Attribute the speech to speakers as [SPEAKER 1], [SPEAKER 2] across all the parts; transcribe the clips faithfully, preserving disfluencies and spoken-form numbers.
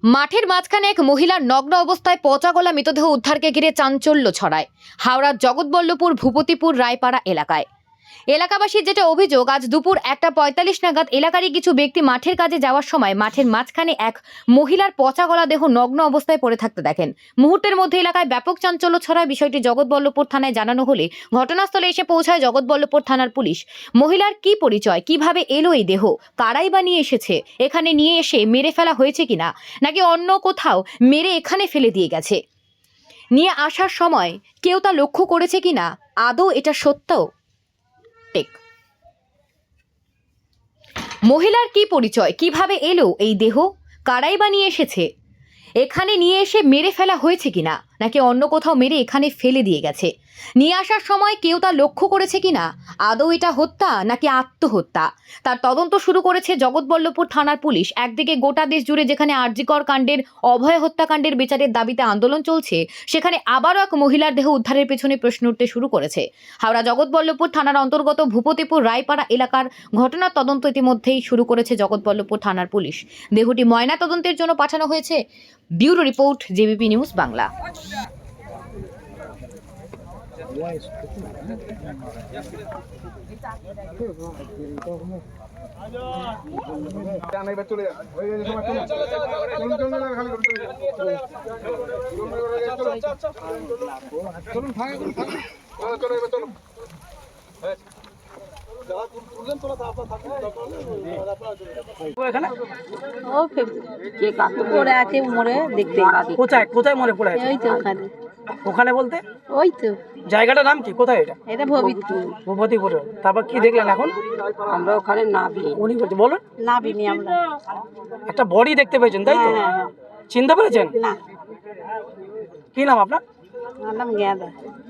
[SPEAKER 1] মাঠের মাঝখানে এক মহিলার নগ্ন অবস্থায় পচা গলা মৃতদেহ উদ্ধারকে ঘিরে চাঞ্চল্য ছড়ায় হাওড়ার জগৎবল্লভপুর ভূপতিপুর রায়পাড়া এলাকায়। এলাকাবাসীর যেটা অভিযোগ, আজ দুপুর একটা পঁয়তাল্লিশ নাগাদ এলাকারই কিছু ব্যক্তি মাঠের কাজে যাওয়ার সময় মাঠের মাঝখানে এক মহিলার পচা গলা দেহ নগ্ন অবস্থায় পড়ে থাকতে দেখেন। মুহূর্তের মধ্যে এলাকায় ব্যাপক চাঞ্চল্য ছড়ায়। বিষয়টি জগৎবল্লভপুর থানায় জানানো হলে ঘটনাস্থলে এসে পৌঁছায় জগৎবল্লভপুর থানার পুলিশ। মহিলার কি পরিচয়, কিভাবে এলো এই দেহ, কারাই বা নিয়ে এসেছে, এখানে নিয়ে এসে মেরে ফেলা হয়েছে কিনা নাকি অন্য কোথাও মেরে এখানে ফেলে দিয়ে গেছে, নিয়ে আসার সময় কেউ তা লক্ষ্য করেছে কিনা, আদৌ এটা সত্য? মহিলার কি পরিচয়, কিভাবে এলো এই দেহ, কারাই বা নিয়ে এসেছে, এখানে নিয়ে এসে মেরে ফেলা হয়েছে কিনা নাকি অন্য কোথাও মেরে এখানে ফেলে দিয়ে গেছে, নিয়ে আসার সময় কেউ তা লক্ষ্য করেছে কিনা, আদৌ এটা হত্যা নাকি আত্মহত্যা, তার তদন্ত শুরু করেছে জগৎবল্লভপুর থানার পুলিশ। একদিকে গোটা দেশ জুড়ে যেখানে আরজিকর কাণ্ডের, অভয় হত্যাকাণ্ডের বিচারের দাবিতে আন্দোলন চলছে, সেখানে আবারও এক মহিলার দেহ উদ্ধারের পেছনে প্রশ্ন উঠতে শুরু করেছে। হাওড়া জগৎবল্লভপুর থানার অন্তর্গত ভূপতিপুর রায়পাড়া এলাকার ঘটনার তদন্ত ইতিমধ্যেই শুরু করেছে জগৎবল্লভপুর থানার পুলিশ। দেহটি ময়না তদন্তের জন্য পাঠানো হয়েছে। Bureau report, JBP news Bangla.
[SPEAKER 2] কোথায় কোথায় মরে পড়ে আছে?
[SPEAKER 3] ওই তো ওখানে।
[SPEAKER 2] ওখানে বলতে
[SPEAKER 3] ওই তো
[SPEAKER 2] জায়গাটার নাম কি? কোথায় এটা?
[SPEAKER 3] এটা ভবিষ্যৎ
[SPEAKER 2] ভূপতিপুরে। তারপর কি দেখলেন এখন?
[SPEAKER 3] আমরা ওখানে নাবি
[SPEAKER 2] উনি বলছে বলুন।
[SPEAKER 3] নাবিনি আমরা।
[SPEAKER 2] একটা বডি দেখতে পেয়েছেন তাই তো?
[SPEAKER 3] হ্যাঁ, হ্যাঁ, হ্যাঁ।
[SPEAKER 2] চিনতে পেরেছেন?
[SPEAKER 3] না,
[SPEAKER 2] কি নাম আপনার?
[SPEAKER 3] আমার নাম গেঁদা।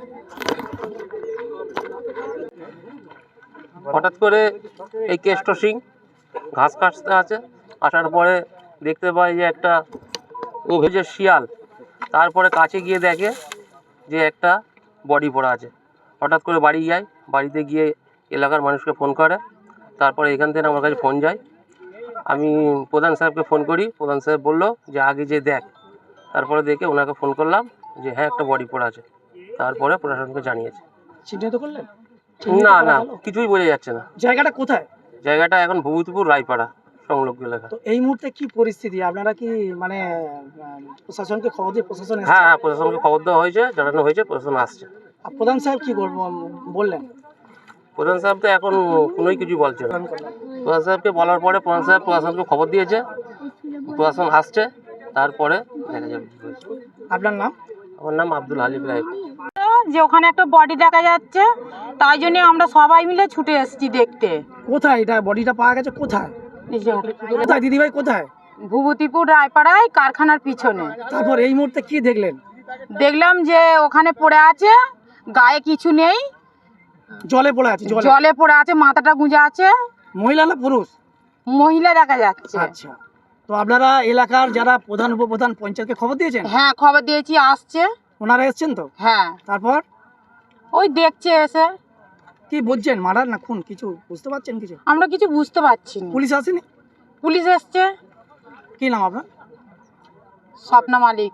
[SPEAKER 4] হঠাৎ করে এই কেষ্ট সিং ঘাস কাটতে আছে, আসার পরে দেখতে পাই যে একটা ও ভেজে শিয়াল, তারপরে কাছে গিয়ে দেখে যে একটা বডি পড়া আছে। হঠাৎ করে বাড়ি যায়, বাড়িতে গিয়ে এলাকার মানুষকে ফোন করে, তারপরে এখান থেকে আমার কাছে ফোন যায়। আমি প্রধান সাহেবকে ফোন করি, প্রধান সাহেব বললো যে আগে যে দেখ। তারপরে দেখে ওনাকে ফোন করলাম যে হ্যাঁ একটা বডি পড়া আছে, তারপরে প্রশাসনকে জানিয়েছে।
[SPEAKER 2] চিহ্নিত করলেন?
[SPEAKER 4] না না কিছুই বোঝা যাচ্ছে না।
[SPEAKER 2] জায়গাটা কোথায়?
[SPEAKER 4] জায়গাটা এখন ভূপতিপুর রায়পাড়া সংলগ্ন এলাকা।
[SPEAKER 2] তো এই মুহূর্তে কি পরিস্থিতি? আপনারা কি মানে আহ, প্রশাসনকে খবর দিয়ে প্রশাসন এসেছে?
[SPEAKER 4] হ্যাঁ হ্যাঁ প্রশাসনকে খবর দেওয়া হয়েছে, জানানো হয়েছে, প্রশাসন আসছে।
[SPEAKER 2] আর প্রধান সাহেব কি করবো বললেন?
[SPEAKER 4] প্রধান সাহেব তো এখন কোনোই কিছু বলছে না। প্রধান সাহেবকে বলার পরে প্রধান সাহেব প্রশাসনকে খবর দিয়েছে, প্রশাসন আসছে, তারপরে দেখা যাবে কি হয়েছে।
[SPEAKER 2] আপনার নাম?
[SPEAKER 4] আমার নাম আব্দুল হালিম রায়।
[SPEAKER 5] যে ওখানে একটা বডি দেখা যাচ্ছে, তাই জন্য আমরা সবাই মিলে ছুটে এসেছি দেখতে।
[SPEAKER 2] কোথায় এটা বডিটা পাওয়া গেছে? কোথায় কোথায় দিদিভাই কোথায়?
[SPEAKER 5] ভূপতিপুর রায়পাড়ায় কারখানার পিছনে।
[SPEAKER 2] তারপর এই মুহূর্তে কি দেখলেন?
[SPEAKER 5] দেখলাম যে ওখানে পড়ে আছে, গায়ে কিছু নেই,
[SPEAKER 2] জলে পড়ে আছে। জলে
[SPEAKER 5] জলে পড়ে আছে, মাথাটা গুঁজে আছে।
[SPEAKER 2] মহিলা না পুরুষ?
[SPEAKER 5] মহিলা দেখা যাচ্ছে।
[SPEAKER 2] আচ্ছা, তো আপনারা এলাকার যারা প্রধান উপপ্রধান পঞ্চায়েতকে খবর দিয়েছেন?
[SPEAKER 5] হ্যাঁ খবর দিয়েছি, আসছে।
[SPEAKER 2] ওনারা এসছেন তো?
[SPEAKER 5] হ্যাঁ,
[SPEAKER 2] তারপর
[SPEAKER 5] ওই দেখছে এসে।
[SPEAKER 2] কি বুঝছেন, মার্ডার না খুন? কিছু বুঝতে পারছেন কিছু?
[SPEAKER 5] আমরা কিছু বুঝতে পারছি না।
[SPEAKER 2] পুলিশ আসেনি?
[SPEAKER 5] পুলিশ এসছে।
[SPEAKER 2] কি নাম আপনার?
[SPEAKER 5] স্বপ্না মালিক।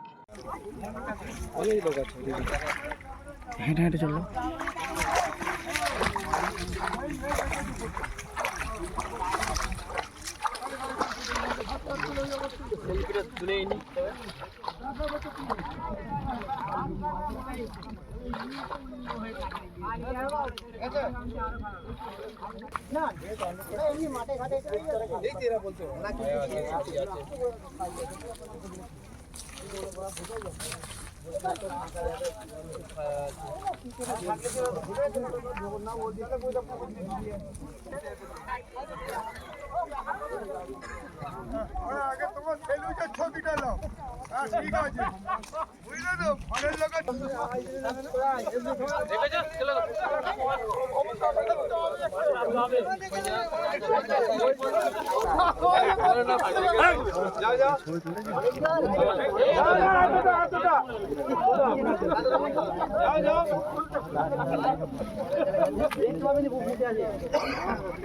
[SPEAKER 2] হেঁটে হেঁটে চললো।
[SPEAKER 6] আগে তোমার সেলুটের ছবিটা নাও। হ্যাঁ ঠিক আছে, বুঝলে তো ঘরের লোকের যাও যাও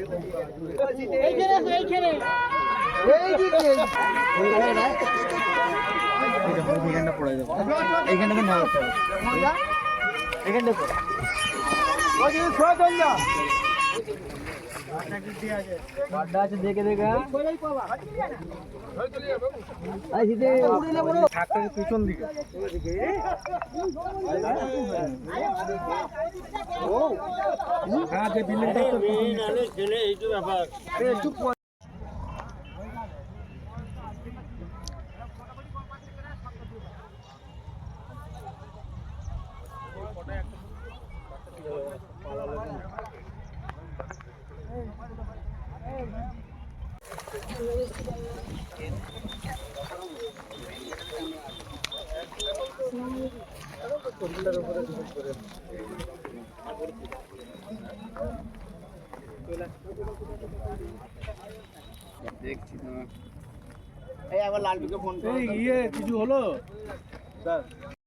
[SPEAKER 6] এইখানে এইখানে এই দিকে
[SPEAKER 7] এইখানটা পড়ে যাবে এইখানটাতে না হতে হবে এইখানটা পড়ে বাড্ডা আছে দেখে দেখে পিছন দিকে হ্যাঁ যে বিল্ডিংটা এই একবার লালটুকে ফোন করে ইয়ে কিছু হলো স্যার